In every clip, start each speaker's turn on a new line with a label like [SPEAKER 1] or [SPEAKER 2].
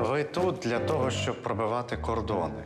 [SPEAKER 1] Ви тут для того, щоб пробивати кордони.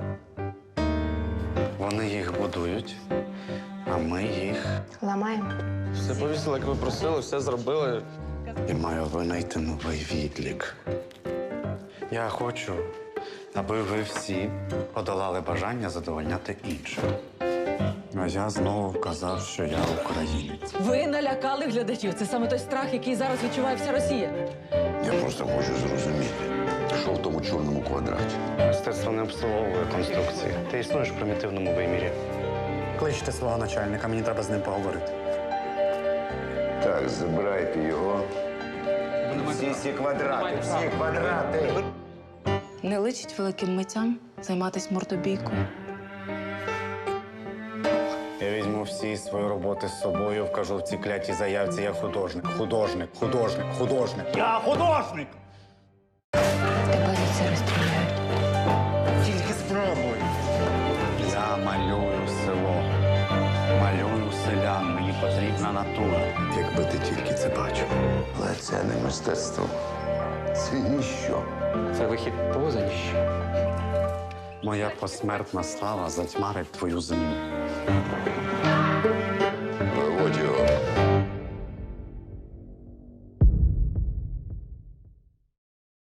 [SPEAKER 1] Вони їх будують, а ми їх.
[SPEAKER 2] Ламаємо.
[SPEAKER 3] Все повісили, як ви просили, все зробили.
[SPEAKER 1] І маю винайти новий відлік. Я хочу, аби ви всі подолали бажання задовольняти інших. А я знову вказав, що я українець.
[SPEAKER 4] Ви налякали глядачів. Це саме той страх, який зараз відчуває вся Росія.
[SPEAKER 5] Я просто хочу зрозуміти, що в тому чорному квадраті.
[SPEAKER 1] Мистецтво не обслуговує конструкції. Ти існуєш в примітивному вимірі. Кличте свого начальника, мені треба з ним поговорити.
[SPEAKER 5] Так, забирайте його. Всі квадрати, всі квадрати.
[SPEAKER 6] Не личить великим митцям займатися мордобійкою.
[SPEAKER 1] Я візьму всі свої роботи з собою, вкажу в цій клятій заявці. Я художник, художник, художник, художник. Я художник!
[SPEAKER 6] Тебе за це розстріляють.
[SPEAKER 1] Тільки спробуй. Я малюю село. Малюю селян. Мені потрібна натура.
[SPEAKER 5] Якби ти тільки це бачив. Але це не мистецтво. Це ніщо.
[SPEAKER 3] Це вихід поза ніщо.
[SPEAKER 1] Моя посмертна слава затьмарить твою землю.